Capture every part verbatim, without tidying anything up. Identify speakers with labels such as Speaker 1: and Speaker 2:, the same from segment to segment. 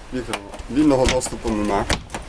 Speaker 1: Віктор, вільного доступу нема.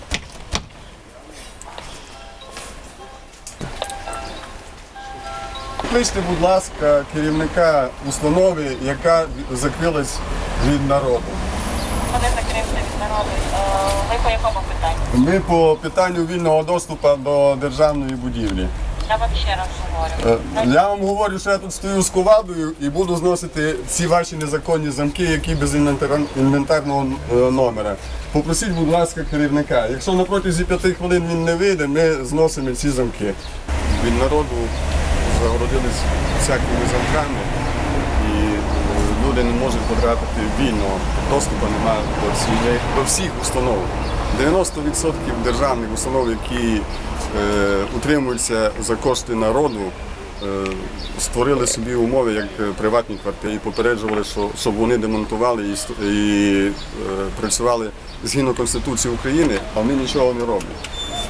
Speaker 1: Кличте, будь ласка, керівника установи, яка закрилась від народу.
Speaker 2: Вони закрився від народу. Е, Ви по якому питанню?
Speaker 1: Ми по питанню вільного доступу до державної будівлі.
Speaker 2: Я вам ще раз говорю.
Speaker 1: Е, Я вам говорю, що я тут стою з ковадою і буду зносити ці ваші незаконні замки, які без інвентар- інвентарного е, номера. Попросіть, будь ласка, керівника. Якщо на протязі п'яти хвилин він не вийде, ми зносимо ці замки. Від народу загородились всякими замками і е, люди не можуть потрапити вільно. Доступу немає до всіх, до всіх установ. дев'яносто відсотків державних установ, які е, утримуються за кошти народу, е, створили собі умови як приватні квартири і попереджували, що, щоб вони демонтували і, ст- і е, працювали згідно Конституції України, а вони нічого не роблять.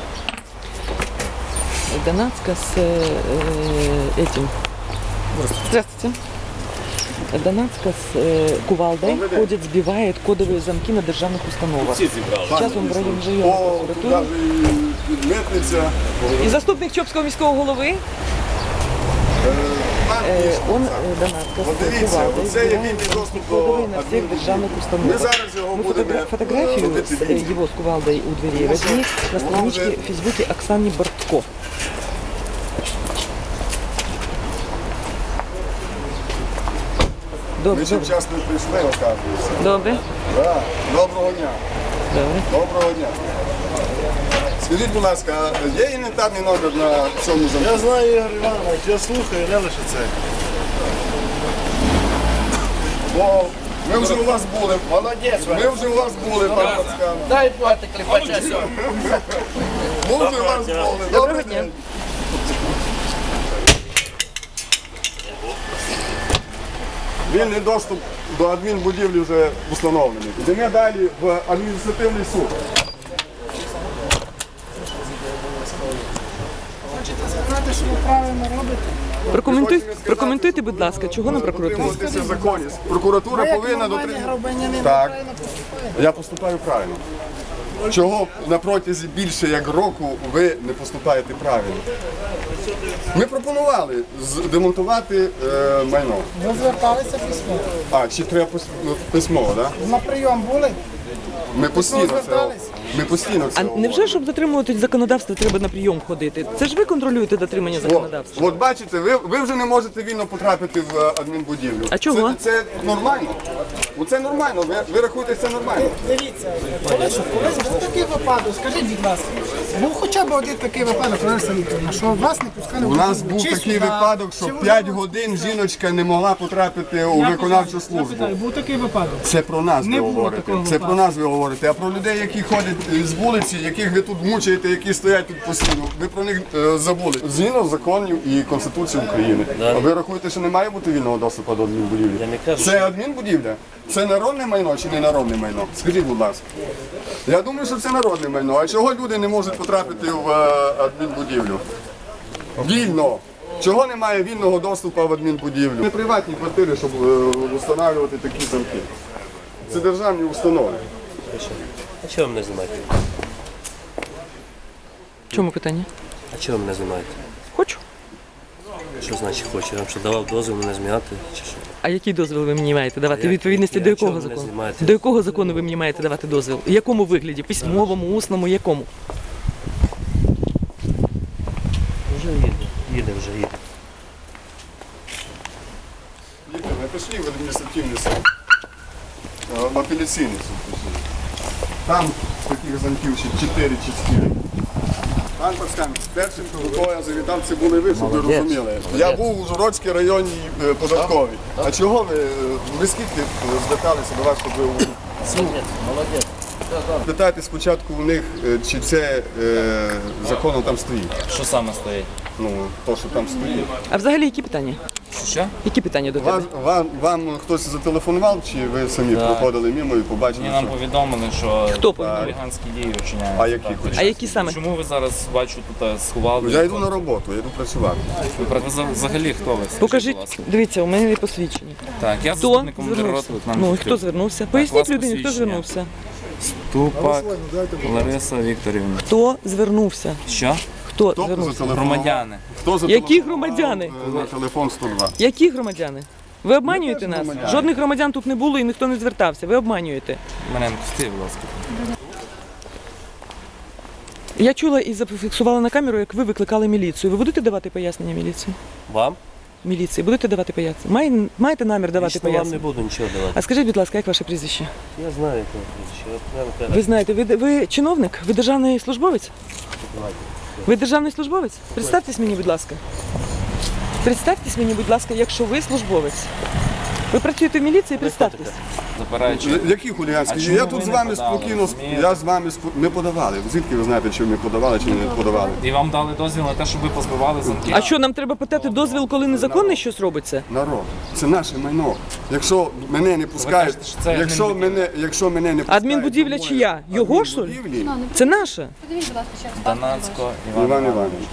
Speaker 3: Донацка с э, этим. Здравствуйте. Донацка с э, кувалдой ходит, сбивает кодовые замки на державных установах. Сейчас он в районе районної прокуратури.
Speaker 1: Митниця,
Speaker 3: І заступник Чопського міського голови, э, он э, Донацка
Speaker 1: От
Speaker 3: с
Speaker 1: дивіться,
Speaker 3: кувалдой
Speaker 1: оце є
Speaker 3: сбивает
Speaker 1: вільний доступ до
Speaker 3: кодовые на всех державных
Speaker 1: Ми
Speaker 3: установах.
Speaker 1: зараз його
Speaker 3: Мы
Speaker 1: будемо
Speaker 3: фотогра- фотографию
Speaker 1: робити
Speaker 3: с, э,
Speaker 1: відео.
Speaker 3: его с кувалдой у дверей возьми на страничке в Фейсбуке Оксаны Бортко.
Speaker 1: Ми
Speaker 3: Добре,
Speaker 1: ще
Speaker 3: добре.
Speaker 1: вчасно прийшли, оказується.
Speaker 3: Добре.
Speaker 1: Да. Доброго дня.
Speaker 3: Добре.
Speaker 1: Доброго дня. Скажіть, будь ласка, а є інвентарний номер на цьому замку?
Speaker 4: Я знаю, Ігор Іванович, я слухаю, не лише це.
Speaker 1: Бо ми вже у вас були.
Speaker 4: Молодець,
Speaker 1: Ми вже у вас були, пан Пацкан.
Speaker 4: дай плати кліпача сьогодні.
Speaker 1: Ми вже у вас були. Добрий
Speaker 3: дня.
Speaker 1: день. Вільний доступ до адмінбудівлі вже встановлений. Йдемо далі в адміністративний суд.
Speaker 5: Знаєте, що ви правильно робите?
Speaker 3: Прокоментуй,
Speaker 1: Хочемо сказати,
Speaker 3: прокоментуйте, будь ласка, чого на прокуратурі?
Speaker 1: Дотримуватися законів. Прокуратура
Speaker 5: Як
Speaker 1: повинна
Speaker 5: нормальний
Speaker 1: дотримуватися.
Speaker 5: громадянин
Speaker 1: Так.
Speaker 5: правильно поступає?
Speaker 1: Я поступаю правильно. Чого на протязі більше як року ви не поступаєте правильно? Ми пропонували з- демонтувати е, майно.
Speaker 5: Ви зверталися письмо.
Speaker 1: А, чи треба пис- ну, письмово, так? Да?
Speaker 5: На прийом були?
Speaker 1: Ми постійно це,
Speaker 5: звертались?
Speaker 1: ми постійно це
Speaker 3: А
Speaker 1: говоримо.
Speaker 3: невже, щоб дотримуватись законодавства, треба на прийом ходити? Це ж ви контролюєте дотримання
Speaker 1: О,
Speaker 3: законодавства.
Speaker 1: от бачите, ви, ви вже не можете вільно потрапити в е, адмінбудівлю.
Speaker 3: А чого?
Speaker 1: Це, це нормально. Оце нормально, ви, ви рахуєте, це нормально.
Speaker 5: Дивіться, коли ж коли ж був такий випадок, скажіть, будь ласка, був хоча б один такий випадок, Лариса Вікторівна, що вас не пускали в
Speaker 1: У нас
Speaker 5: будівлю?
Speaker 1: був
Speaker 5: Чи
Speaker 1: такий
Speaker 5: сюди,
Speaker 1: випадок, що
Speaker 5: чи в
Speaker 1: п'ять
Speaker 5: Ужгород?
Speaker 1: годин жіночка не могла потрапити у
Speaker 5: Я
Speaker 1: виконавчу
Speaker 5: питаю, я
Speaker 1: службу.
Speaker 5: питаю, був такий випадок.
Speaker 1: Це про нас
Speaker 5: Не
Speaker 1: ви
Speaker 5: було
Speaker 1: говорите.
Speaker 5: такого
Speaker 1: Це
Speaker 5: випадку.
Speaker 1: про нас ви говорите. А про людей, які ходять з вулиці, яких ви тут мучаєте, які стоять тут постійно, ви про них е, забули. Згідно законів і Конституції України. А ви рахуєте, що не має бути вільного доступу до адмінбудівлі? Це адмінбудівля? Це народне майно чи не народне майно? Скажіть, будь ласка. Я думаю, що це народне майно. А чого люди не можуть потрапити в е, адмінбудівлю? Вільно. Чого немає вільного доступу в адмінбудівлю? Не приватні квартири, щоб е, встановлювати такі замки. Це державні установи.
Speaker 6: А чого ви мене знімаєте?
Speaker 3: В чому питання?
Speaker 6: А чого ви мене знімаєте?
Speaker 3: Хочу.
Speaker 6: Що значить хочу? Я вам що давав дозвіл мене знімати? Чи що?
Speaker 3: А який дозвіл ви мені маєте давати?
Speaker 6: як-
Speaker 3: Відповідності
Speaker 6: я
Speaker 3: до якого
Speaker 6: чого мене
Speaker 3: закону?
Speaker 6: знімаєте?
Speaker 3: До якого закону ви мені маєте давати дозвіл? В якому вигляді? Письмовому, усному, якому?
Speaker 6: Вже їде. Їде, вже їде.
Speaker 1: Віктор, не пішли в адміністративний суд. Е, В апеляційний суд пішли. Там таких замків ще чотири чи чотири. Пан Пацкан, першим, до кого я завітав, це були ви, щоб ви розуміли. Я був у Ужгородській районній е, податковій. А чого ви, е, ви скільки е, зверталися до вас, щоб ви у суд?
Speaker 4: Молодець.
Speaker 1: Питайте спочатку у них, е, чи це е, законом там стоїть.
Speaker 7: Що саме стоїть?
Speaker 1: Ну, то, що там стоїть.
Speaker 3: А взагалі які питання?
Speaker 7: Що?
Speaker 3: Які питання до тебе?
Speaker 1: Вас, вам, вам хтось зателефонував, чи ви самі
Speaker 7: Так.
Speaker 1: проходили мимо і побачили?
Speaker 7: Мені нам
Speaker 1: що-
Speaker 7: повідомили, що
Speaker 3: Хто повідомив?
Speaker 7: хуліганські дії вчиняються.
Speaker 1: А які?
Speaker 7: Так.
Speaker 3: А які саме?
Speaker 7: Чому ви зараз бачу тут е, сховали?
Speaker 1: Я йду на роботу, я йду працювати.
Speaker 7: Ви про- ви за- взагалі хто ви? Скажіть, будь
Speaker 3: Покажіть,
Speaker 7: ласка.
Speaker 3: дивіться, у мене є посвідчення.
Speaker 7: Так, я
Speaker 3: Хто
Speaker 7: заступник командира
Speaker 3: звернувся?
Speaker 7: роти. Нам
Speaker 3: Ну, і
Speaker 7: потрібно.
Speaker 3: хто звернувся?
Speaker 7: Так, у
Speaker 3: Поясніть
Speaker 7: вас
Speaker 3: людині, хто
Speaker 7: посвідчення.
Speaker 3: звернувся.
Speaker 7: Тупак Лариса Вікторівна.
Speaker 3: Хто звернувся?
Speaker 7: Що?
Speaker 3: Хто
Speaker 1: Хто
Speaker 3: звернувся?
Speaker 1: зателефонував?
Speaker 7: Громадяни.
Speaker 1: Хто
Speaker 3: Які
Speaker 1: зателефонував,
Speaker 3: громадяни?
Speaker 1: е, На телефон сто два.
Speaker 3: Які громадяни? Ви обманюєте
Speaker 1: теж
Speaker 3: нас?
Speaker 1: громадяни.
Speaker 3: Жодних громадян тут не було і ніхто не звертався. Ви обманюєте.
Speaker 7: Маренко, стій, будь ласка.
Speaker 3: Я чула і зафіксувала на камеру, як ви викликали міліцію. Ви будете давати пояснення міліції?
Speaker 6: Вам?
Speaker 3: Міліції, будете давати пояснення? Має- Маєте намір давати
Speaker 6: Лично вам не
Speaker 3: пояснення?
Speaker 6: буду нічого давати.
Speaker 3: А скажіть, будь ласка, як ваше прізвище?
Speaker 6: Я знаю, як вам прізвище. От прямо кажу.
Speaker 3: Ви знаєте, ви, ви чиновник? Ви державний службовець?
Speaker 6: Давайте.
Speaker 3: Ви державний службовець? Представтесь мені, будь ласка. Представтесь мені, будь ласка, якщо ви службовець. Ви працюєте в міліції, представтесь.
Speaker 7: Запираючи.
Speaker 1: Які хуліганські?
Speaker 7: А чому
Speaker 1: Я
Speaker 7: ви
Speaker 1: тут з
Speaker 7: не
Speaker 1: вами
Speaker 7: подали,
Speaker 1: спокійно,
Speaker 7: розумієте?
Speaker 1: я з вами спо- не подавали. Звідки ви знаєте, чи ми подавали, чи не подавали?
Speaker 7: І вам дали дозвіл на те, щоб ви позбивали замки.
Speaker 3: А що, нам треба питати дозвіл, коли незаконно щось робиться?
Speaker 1: Народ, це наше майно. Якщо мене не пускають,
Speaker 7: кажете, що це
Speaker 1: якщо
Speaker 7: адмінбудівля.
Speaker 1: мене, якщо мене не пускають,
Speaker 3: Адмінбудівля
Speaker 1: до моєї
Speaker 3: чия? Його, що ли?
Speaker 1: адмінбудівлі,
Speaker 3: Це наше.
Speaker 2: Подивіть, будь ласка, ще раз.
Speaker 7: Донацько, Іван,
Speaker 1: Іван
Speaker 7: Іванович.
Speaker 1: Іванович.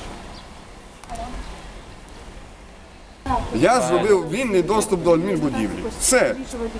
Speaker 1: Я зробив вільний доступ до адмінбудівлі. Все.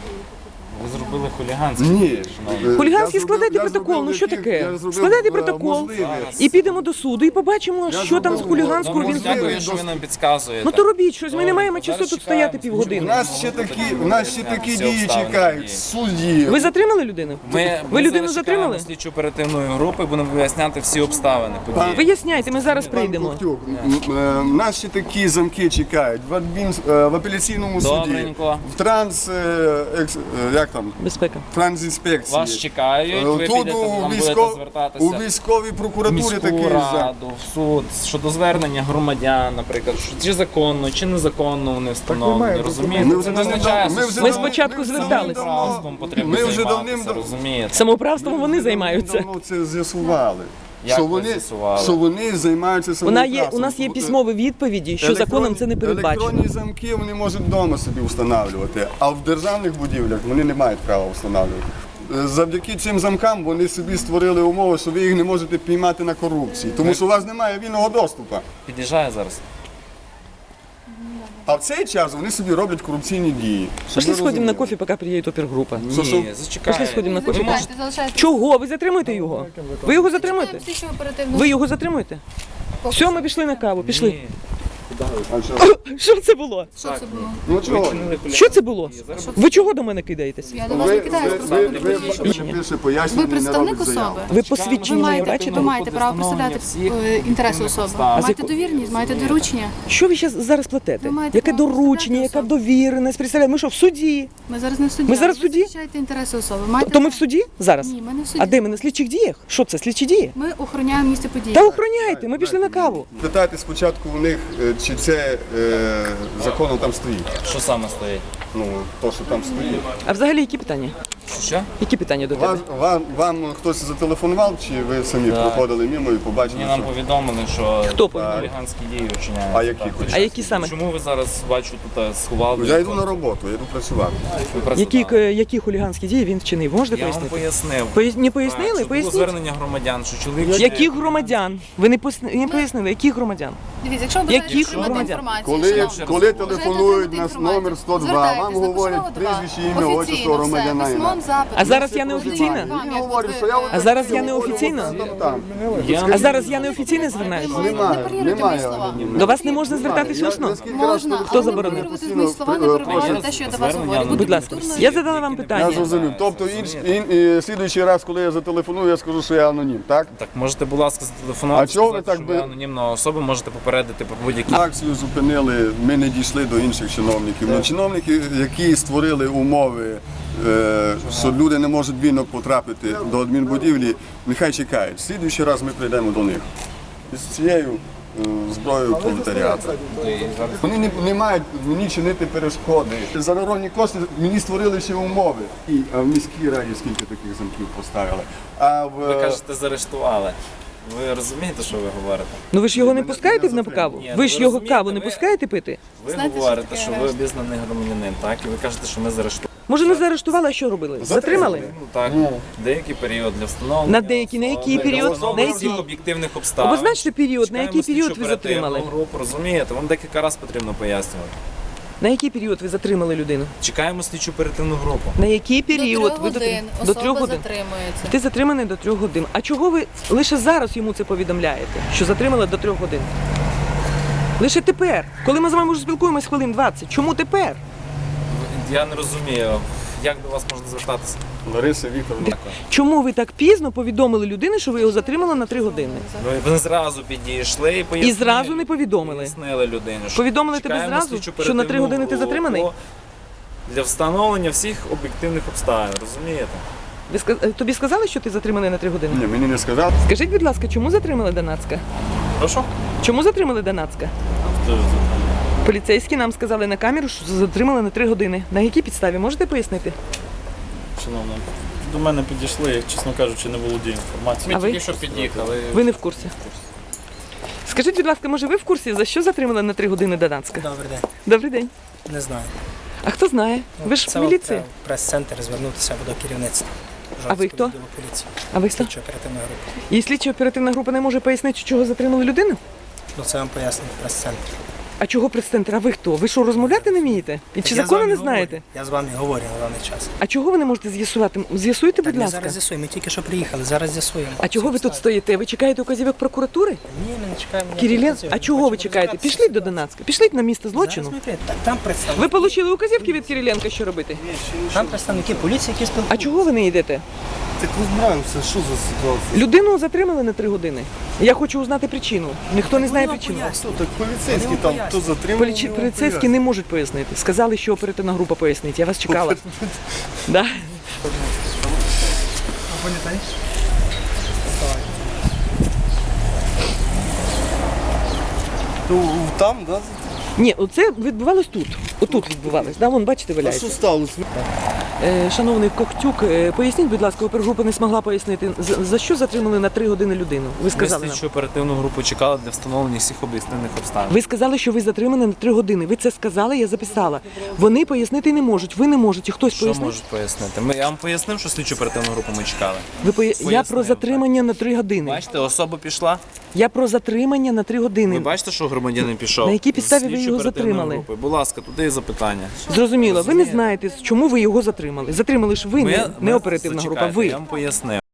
Speaker 7: Ви зробили хуліганське.
Speaker 1: Ні.
Speaker 7: шановні.
Speaker 3: Хуліганський
Speaker 1: Я
Speaker 3: складайте
Speaker 1: зробив- я
Speaker 3: протокол, ну
Speaker 1: зробив
Speaker 3: що
Speaker 1: яких-
Speaker 3: таке?
Speaker 1: я зробив,
Speaker 3: Складайте
Speaker 1: е,
Speaker 3: протокол
Speaker 1: можливість.
Speaker 3: і підемо до суду і побачимо, що там з
Speaker 1: зробив-
Speaker 3: хуліганського
Speaker 1: я
Speaker 3: він
Speaker 1: зробив-
Speaker 3: зробив.
Speaker 7: Дякую, що ви нам підказуєте.
Speaker 3: Ну то робіть щось, ми не маємо
Speaker 7: Зараз
Speaker 3: часу тут
Speaker 7: чекаємо.
Speaker 3: стояти
Speaker 1: У
Speaker 3: півгодини.
Speaker 1: нас ще такі, у нас ще такі
Speaker 7: Всі
Speaker 1: дії
Speaker 7: обставини
Speaker 1: чекають.
Speaker 7: дії.
Speaker 1: Судді.
Speaker 3: Ви затримали людину?
Speaker 7: Ми,
Speaker 3: Ви
Speaker 7: ми
Speaker 3: людину
Speaker 7: зараз
Speaker 3: затримали?
Speaker 7: чекаємо слідчу оперативної групи, будемо виясняти всі обставини події.
Speaker 3: Виясняйте, ми зараз
Speaker 1: Пан
Speaker 3: прийдемо.
Speaker 1: Ковтюк, м, е, нас ще такі замки чекають в, адмін, е, в апеляційному суді,
Speaker 7: Добренько.
Speaker 1: в транс, е, екс- е, як там,
Speaker 3: Безпека.
Speaker 1: трансінспекції.
Speaker 7: Вас чекають,
Speaker 1: Е,
Speaker 7: ви
Speaker 1: Тут
Speaker 7: підете,
Speaker 1: у,
Speaker 7: вам будете
Speaker 1: військов... у
Speaker 7: звертатися
Speaker 1: військовій
Speaker 7: в
Speaker 1: прокуратурі
Speaker 7: міську
Speaker 1: такий зам.
Speaker 7: раду, в суд, щодо звернення громадян, наприклад, що чи законно, чи незаконно вони встановлені, розумієте?
Speaker 1: Ми вже
Speaker 7: Це не
Speaker 1: давним-
Speaker 7: означає,
Speaker 1: ми
Speaker 7: що
Speaker 1: вже
Speaker 3: Ми
Speaker 1: давним-
Speaker 3: спочатку
Speaker 1: ми вже
Speaker 3: звертались.
Speaker 1: давним-
Speaker 7: самоуправством потрібно
Speaker 1: Ми вже
Speaker 7: займатися,
Speaker 1: давним-
Speaker 7: розумієте?
Speaker 3: Самоуправством вони займаються.
Speaker 1: Давно це з'ясували.
Speaker 7: Як
Speaker 1: Що
Speaker 7: ви
Speaker 1: вони,
Speaker 7: з'ясували?
Speaker 1: що вони займаються
Speaker 3: У нас є,
Speaker 1: самоуправством.
Speaker 3: у нас є письмові відповіді, що законом це не передбачено.
Speaker 1: Електронні замки вони можуть вдома собі встановлювати, а в державних будівлях вони не мають права встановлювати. Е, Завдяки цим замкам вони собі створили умови, що ви їх не можете піймати на корупції, тому що у вас немає вільного доступу.
Speaker 7: Під'їжджає зараз.
Speaker 1: А в цей час вони собі роблять корупційні дії. Щоб
Speaker 3: Пошли
Speaker 1: ви
Speaker 3: сходимо на
Speaker 1: розуміли.
Speaker 3: кофе, поки приїде опергрупа.
Speaker 1: Що, що?
Speaker 7: Ні, зачекайте.
Speaker 3: Пошли сходимо на кофе.
Speaker 7: Ви можете-
Speaker 2: Залишайте.
Speaker 3: Чого? Ви затримуєте його? Ви його затримуєте?
Speaker 2: Слідчу оперативну.
Speaker 3: Ви його затримуєте? Все, ми пішли на каву, пішли.
Speaker 7: Ні.
Speaker 1: А що?
Speaker 3: Що це було?
Speaker 2: Що це було?
Speaker 1: Ну чого?
Speaker 3: Що це було? Ви чого до мене кидаєтесь?
Speaker 2: Я до вас
Speaker 1: Ви,
Speaker 2: не
Speaker 1: ви,
Speaker 2: кидаюсь,
Speaker 1: ви,
Speaker 2: просто
Speaker 1: ви,
Speaker 2: не
Speaker 1: ви,
Speaker 2: розумію.
Speaker 1: ви більше пояснень
Speaker 2: Ви
Speaker 1: не
Speaker 2: представник
Speaker 1: робите заяву.
Speaker 2: особи.
Speaker 3: Ви
Speaker 2: Ви
Speaker 3: посвідчені мої
Speaker 2: маєте,
Speaker 3: бачите?
Speaker 2: ви маєте право представляти е, інтереси особи. Маєте довірність, маєте доручення.
Speaker 3: Що ви щас- зараз платите?
Speaker 2: Ви маєте
Speaker 3: Яке
Speaker 2: право
Speaker 3: доручення,
Speaker 2: представляти
Speaker 3: яка довіреність? Представляєте, ми що, в суді?
Speaker 2: Ми зараз не в суді.
Speaker 3: Ми зараз
Speaker 2: але ви
Speaker 3: в суді?
Speaker 2: захищаєте інтереси особи. Маєте
Speaker 3: То ми в
Speaker 2: право.
Speaker 3: суді зараз?
Speaker 2: Ні, ми не в суді.
Speaker 3: А де ми на слідчих діях? Що це, слідчі дії?
Speaker 2: Ми охороняємо місце події.
Speaker 3: Та охороняйте, ми пішли на каву.
Speaker 1: Питайте спочатку у них, е, чи це е, законом там стоїть.
Speaker 7: Що саме стоїть?
Speaker 1: Ну, то, що там стоїть.
Speaker 3: А взагалі які питання?
Speaker 7: Що?
Speaker 3: Які питання до тебе?
Speaker 1: Вас, вам, вам хтось зателефонував, чи ви самі
Speaker 7: Да.
Speaker 1: проходили мимо і побачили?
Speaker 7: Мені нам
Speaker 1: що-
Speaker 7: повідомили, що
Speaker 3: Хто повідомив?
Speaker 7: хуліганські дії вчиняються.
Speaker 1: А які
Speaker 7: Так,
Speaker 1: хуліганські?
Speaker 3: А які саме?
Speaker 7: Чому ви зараз бачу тут е, сховали?
Speaker 1: Я йду на роботу, я йду працювати.
Speaker 7: Ви працювали.
Speaker 3: Які, е, які хуліганські дії він вчинив? Можете
Speaker 7: Я вам
Speaker 3: пояснити?
Speaker 7: пояснив.
Speaker 3: Пояс- Не
Speaker 7: Так,
Speaker 3: пояснили?
Speaker 7: що було
Speaker 3: Поясніть.
Speaker 7: звернення громадян, що чоловік...
Speaker 3: Яких громадян? Ви не поясни- не пояснили, яких громадян?
Speaker 2: Дивіться, якщо ви бажаєте
Speaker 3: Яких
Speaker 2: отримати
Speaker 3: громадян?
Speaker 2: інформацію,
Speaker 1: Коли,
Speaker 2: шановні,
Speaker 1: коли
Speaker 2: бажаєте
Speaker 1: телефонують
Speaker 2: отримати
Speaker 1: на
Speaker 2: інформацію,
Speaker 1: номер сто два,
Speaker 2: звертайтесь,
Speaker 1: вам
Speaker 2: напишемо
Speaker 1: говорять
Speaker 2: два.
Speaker 1: прізвище, ім'я,
Speaker 2: Офіційно
Speaker 1: отчество
Speaker 2: все,
Speaker 1: громадянина.
Speaker 2: письмом, запитом.
Speaker 3: А зараз я не офіційна?
Speaker 1: Він говорить, що я
Speaker 3: А зараз я не офіційна?
Speaker 1: Там, там.
Speaker 3: А зараз я не офіційно звертаюся?
Speaker 2: Ви
Speaker 1: Немає,
Speaker 2: не паріруйте
Speaker 1: немає.
Speaker 2: мої слова.
Speaker 3: До вас не можна звертатись
Speaker 1: Я
Speaker 3: усно?
Speaker 1: наскільки раз
Speaker 2: Можна,
Speaker 3: Хто
Speaker 2: але не
Speaker 3: заборонив?
Speaker 2: парирувати мої слова, не перебивати те, що я до вас
Speaker 7: Звернення,
Speaker 2: говорю.
Speaker 3: Будь ласка,
Speaker 2: Культурно-
Speaker 3: я задала вам
Speaker 1: Я
Speaker 3: питання.
Speaker 1: зрозумів. Тобто, інш, ін, і, слідуючий раз, коли я зателефоную, я скажу, що я анонім, так?
Speaker 7: Так, можете, будь ласка, зателефонувати,
Speaker 1: А чого ви
Speaker 7: сказати,
Speaker 1: так
Speaker 7: що
Speaker 1: би-
Speaker 7: ви анонімна особа, можете попередити про будь-які...
Speaker 1: Акцію зупинили, ми не дійшли до інших чиновників. Ну, чиновники, які створили умови, е, що люди не можуть вільно потрапити до адмінбудівлі, нехай чекають. Слідуючий раз ми прийдемо до них із цією е, зброєю пролетаріату. Вони не, не мають мені чинити перешкоди. За народні кошти мені створили ще умови. І а в міській раді скільки таких замків поставили. А в
Speaker 7: Ви кажете, заарештували. Ви розумієте, що ви говорите?
Speaker 3: Ну ви ж його не пускаєте на каву?
Speaker 7: Ні,
Speaker 3: Ви ж
Speaker 7: ви
Speaker 3: його
Speaker 7: розумієте,
Speaker 3: каву не
Speaker 7: ви-
Speaker 3: пускаєте пити?
Speaker 7: Ви
Speaker 2: Знаєте, що
Speaker 7: говорите,
Speaker 2: таке
Speaker 7: що ви
Speaker 2: арешт?
Speaker 7: обізнаний громадянин, так? І ви кажете, що ми заарештували.
Speaker 3: Може не заарештували, а що робили? Затримали?
Speaker 7: Ну так, деякий період для встановлення.
Speaker 3: На деякий- на який
Speaker 7: особи,
Speaker 3: період?
Speaker 7: для встановлення
Speaker 3: На який?
Speaker 7: всіх об'єктивних обставин.
Speaker 3: Обозначте період, на
Speaker 7: Чекаємо
Speaker 3: який період
Speaker 7: слідчу
Speaker 3: ви затримали?
Speaker 7: оперативну групу, розумієте? Вам декілька разів потрібно пояснювати.
Speaker 3: На який період ви затримали людину?
Speaker 7: Чекаємо слідчу оперативну групу.
Speaker 3: На який період
Speaker 2: До трьох
Speaker 3: ви
Speaker 2: годин
Speaker 3: затримали? До
Speaker 2: особа
Speaker 3: трьох годин.
Speaker 2: затримується.
Speaker 3: Ти затриманий до трьох годин. А чого ви лише зараз йому це повідомляєте? Що затримали до трьох годин? Лише тепер, коли ми з вами вже спілкуємось хвилин двадцять. Чому тепер?
Speaker 7: Я не розумію, як до вас можна звертатися.
Speaker 1: Лариса Вікторовна.
Speaker 3: Чому ви так пізно повідомили людині, що ви його затримали на три години?
Speaker 7: Ви, ви зразу підійшли і пояснили.
Speaker 3: І зразу не повідомили.
Speaker 7: Пояснили людині. що
Speaker 3: Повідомили тебе
Speaker 7: чекаємо
Speaker 3: зразу,
Speaker 7: слідчу
Speaker 3: що на три
Speaker 7: оперативну
Speaker 3: години ти
Speaker 7: групу
Speaker 3: затриманий?
Speaker 7: Для встановлення всіх об'єктивних обставин, розумієте?
Speaker 3: Ви ска- тобі сказали, що ти затриманий на три години?
Speaker 1: Ні, мені не сказав.
Speaker 3: Скажіть, будь ласка, чому затримали Донацька?
Speaker 7: Прошу?
Speaker 3: Чому затримали Донацька? Поліцейські нам сказали на камеру, що затримали на три години. На якій підставі? Можете пояснити?
Speaker 4: Шановна, до мене підійшли, як, чесно кажучи, не володію інформацією.
Speaker 3: А ви?
Speaker 7: Тільки що під'їхали.
Speaker 3: Ви не в курсі. Скажіть, будь ласка, може ви в курсі, за що затримали на три години Донацька?
Speaker 8: Добрий день.
Speaker 3: Добрий день.
Speaker 8: Не знаю.
Speaker 3: А хто знає? Ви ж
Speaker 8: Це
Speaker 3: міліція.
Speaker 8: от, е, прес-центр звернутися до керівництва.
Speaker 3: А ви хто?
Speaker 8: Відділу поліції.
Speaker 3: А ви хто?
Speaker 8: Слідчо оперативна група.
Speaker 3: І слідча оперативна група не може пояснити, чого затримали людину?
Speaker 8: Ну це вам пояснить прес-центр.
Speaker 3: А чого прес-центр? А ви хто? Ви що, розмовляти не вмієте? І чи
Speaker 8: Я з
Speaker 3: закони
Speaker 8: вами
Speaker 3: не
Speaker 8: говорю.
Speaker 3: знаєте?
Speaker 8: Я з вами говорю на даний час.
Speaker 3: А чого ви не можете з'ясувати? З'ясуйте,
Speaker 8: Так,
Speaker 3: будь
Speaker 8: ми
Speaker 3: ласка.
Speaker 8: зараз з'ясуємо. Ми тільки що приїхали, зараз з'ясуємо.
Speaker 3: А чого ви тут стоїте? Ви чекаєте указівок прокуратури?
Speaker 8: Ні, ми не чекаємо. ніяких
Speaker 3: Кирилен,
Speaker 8: вказівок.
Speaker 3: а
Speaker 8: Ми
Speaker 3: чого ви
Speaker 8: хочемо
Speaker 3: чекаєте?
Speaker 8: розібратися
Speaker 3: Пішліть
Speaker 8: в
Speaker 3: до
Speaker 8: ситуації.
Speaker 3: Донацька, пішліть на місце
Speaker 8: Зараз
Speaker 3: злочину.
Speaker 8: ми прийдемо. Так, Там представники,
Speaker 3: Ви отримали указівки від Кириленка, що робити?
Speaker 8: там представники поліції, які
Speaker 3: А
Speaker 8: спілкуються.
Speaker 3: чого ви не йдете?
Speaker 1: Так розбираємося, що за ситуація?
Speaker 3: Людину затримали на три години. Я хочу узнати причину. Ніхто не знає
Speaker 8: Вони вам
Speaker 3: причину.
Speaker 8: пояснять.
Speaker 1: Так поліцейські
Speaker 8: Вони
Speaker 1: там,
Speaker 8: пояснюють.
Speaker 1: хто затримав.
Speaker 3: Поліці- Поліцейські не можуть пояснити. Сказали, що оперативна група пояснить. Я вас чекала. Да?
Speaker 1: Там, да?
Speaker 3: Ні, оце відбувалось тут. Отут відбувалось. Да? Вон, бачите,
Speaker 1: А що
Speaker 3: валяється.
Speaker 1: сталося?
Speaker 3: Е, шановний Ковтюк, е, поясніть, будь ласка, опергрупа не змогла пояснити, за, за що затримали на три години людину? Ви
Speaker 7: Ми
Speaker 3: сказали нам.
Speaker 7: слідчу оперативну групу чекали для встановлення всіх об'єктивних обставин.
Speaker 3: Ви сказали, що ви затримані на три години. Ви це сказали, я записала. Вони пояснити не можуть, ви не можете. Хтось
Speaker 7: Що
Speaker 3: пояснить?
Speaker 7: можуть пояснити? Ми, я вам пояснив, що слідчу оперативну групу ми чекали.
Speaker 3: Ви поя... Я про
Speaker 7: Пояснив,
Speaker 3: затримання на три години.
Speaker 7: Бачите, особа пішла.
Speaker 3: Я про затримання на три години.
Speaker 7: Ви бачите, що громадянин пішов?
Speaker 3: На якій підставі ви
Speaker 7: Слідчу
Speaker 3: його
Speaker 7: оперативну
Speaker 3: затримали?
Speaker 7: групу. Будь ласка, туди і запитання.
Speaker 3: Зрозуміло, ви не знаєте, чому ви його затримали. Затримали ж ви, не, не оперативна група,
Speaker 7: зачекайте,
Speaker 3: ви.
Speaker 7: Я вам пояснив.